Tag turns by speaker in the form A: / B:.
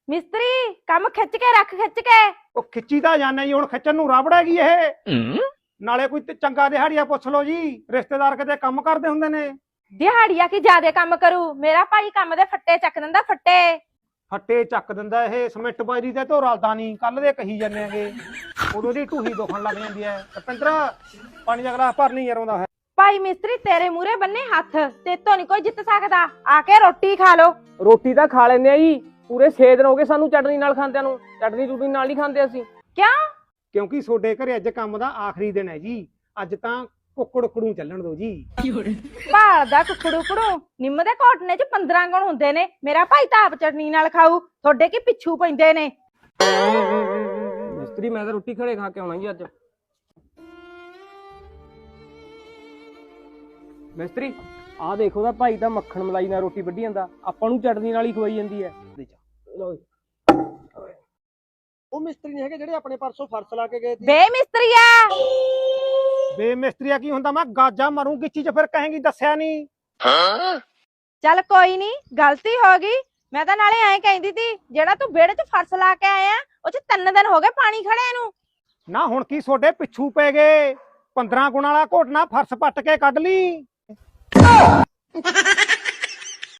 A: ਮਿਸਤਰੀ ਕੰਮ ਖਿੱਚ ਕੇ ਰੱਖ ਖਿੱਚ ਕੇ।
B: ਉਹ ਖਿੱਚੀ ਤਾਂ ਜਾਣਾ ਜੀ, ਹੁਣ ਖਿੱਚਣ ਨੂੰ ਰਬੜ ਹੈਗੀ ਇਹ। ਨਾਲੇ ਕੋਈ ਚੰਗਾ ਦਿਹਾੜੀਆ ਪੁੱਛ ਲਓ ਜੀ, ਰਿਸ਼ਤੇਦਾਰ ਕਿਤੇ ਕੰਮ ਕਰਦੇ ਹੁੰਦੇ ਨੇ।
A: ਦਿਹਾੜੀਆ ਕੀ ਜਿਆਦੇ ਕੰਮ ਕਰੂ, ਮੇਰਾ ਭਾਈ ਕੰਮ ਦੇ ਫੱਟੇ ਚੱਕ ਦਿੰਦਾ ਫੱਟੇ।
B: ਫੱਟੇ ਚੱਕ ਦਿੰਦਾ ਇਹ, ਸਮਿੰਟ ਬਾਜਰੀ ਤੇ ਧੋ ਰਲਦਾ ਨਹੀਂ, ਕੱਲ ਦੇ ਕਹੀ ਜਾਂਦੇ ਆਂਗੇ। ਉਦੋਂ ਦੀ ਢੂਹੀ ਦੁਖਣ ਲੱਗ ਜਾਂਦੀ ਹੈ। ਰਪਿੰਦਰ ਪਾਣੀ ਦਾ ਗਲਾਸ ਭਰ ਨਹੀਂ ਯਾਰ ਆਉਂਦਾ ਹੈ।
A: ਭਾਈ ਮਿਸਤਰੀ ਤੇਰੇ ਮੂਹਰੇ ਬੰਨੇ ਹੱਥ, ਤੇਤੋਂ ਨਹੀਂ ਕੋਈ ਜਿੱਤ ਸਕਦਾ। ਆ ਕੇ ਰੋਟੀ ਖਾ ਲੋ।
C: ਰੋਟੀ ਤਾਂ ਖਾ ਲੈਂਦੇ ਆ ਜੀ, ਪੂਰੇ 6 ਦਿਨ ਹੋ ਗਏ ਸਾਨੂੰ ਚਟਨੀ ਨਾਲ ਖਾਂਦਿਆਂ ਨੂੰ। ਚਟਨੀ ਚੁਟਨੀ ਨਾਲ ਨਹੀਂ ਖਾਂਦੇ ਅਸੀਂ।
A: ਕਿਉਂ?
B: ਕਿਉਂਕਿ ਤੁਹਾਡੇ ਘਰੇ ਅੱਜ ਕੰਮ ਦਾ ਆਖਰੀ ਦਿਨ ਹੈ ਜੀ। ਅੱਜ ਤਾਂ ਕੁੱਕੜ ਕੜੂ ਚੱਲਣ ਦੋ ਜੀ।
A: ਭਾਲਦਾ ਕੁਕੜੂ ਕੜੂ, ਨਿੰਮ ਦੇ ਘੋਟਨੇ ਚ 15 ਗੁਣ ਹੁੰਦੇ ਨੇ। ਮੇਰਾ ਭਾਈ ਤਾਂ ਆਪ ਚਟਨੀ ਨਾਲ ਖਾਊ, ਤੁਹਾਡੇ ਕੀ ਪਿੱਛੂ ਪੈਂਦੇ ਨੇ।
C: ਮਿਸਤਰੀ ਮੈਂ ਤਾਂ ਰੋਟੀ ਖੜੇ ਖਾ ਕੇ ਆਉਣਾ ਜੀ ਅੱਜ। ਮਿਸਤਰੀ ਆਹ ਦੇਖੋ ਦਾ ਭਾਈ ਤਾਂ ਮੱਖਣ ਮਲਾਈ ਨਾਲ ਰੋਟੀ ਵੱਢੀ ਜਾਂਦਾ, ਆਪਾਂ ਨੂੰ ਚਟਨੀ ਨਾਲ ਹੀ ਖਵਾਈ ਜਾਂਦੀ ਹੈ।
D: ਉਹ ਮਿਸਤਰੀ ਨਹੀਂ ਹੈਗੇ ਜਿਹੜੇ ਆਪਣੇ ਪਰਸੋਂ ਫਰਸ਼ ਲਾ ਕੇ ਗਏ ਸੀ।
A: ਬੇ ਮਿਸਤਰੀਆ,
B: ਬੇ ਮਿਸਤਰੀਆ ਕੀ ਹੁੰਦਾ? ਮੈਂ ਗਾਜਾ ਮਾਰੂ ਗਿੱਚੀ ਚ, ਫਿਰ ਕਹੇਂਗੀ ਦੱਸਿਆ ਨਹੀਂ।
A: ਚੱਲ ਕੋਈ ਨਹੀਂ, ਗਲਤੀ ਹੋ ਗਈ। ਮੈਂ ਤਾਂ ਨਾਲੇ ਐਂ ਕਹਿੰਦੀ ਤੀ, ਜਿਹੜਾ ਤੂੰ ਵਿਹੜੇ ਚ ਫਰਸ਼ ਲਾ ਕੇ ਆਇਆ ਉਹ ਚ 3 ਦਿਨ ਹੋ ਗਏ ਪਾਣੀ ਖੜੇ ਨੂੰ।
B: ਨਾ ਹੁਣ ਕੀ ਤੁਹਾਡੇ ਪਿੱਛੂ ਪੈ ਗਏ? 15 ਗੁਣ ਵਾਲਾ ਘੋਟਣਾ ਫਰਸ਼ ਪੱਟ ਕੇ ਕੱਢ ਲਈ।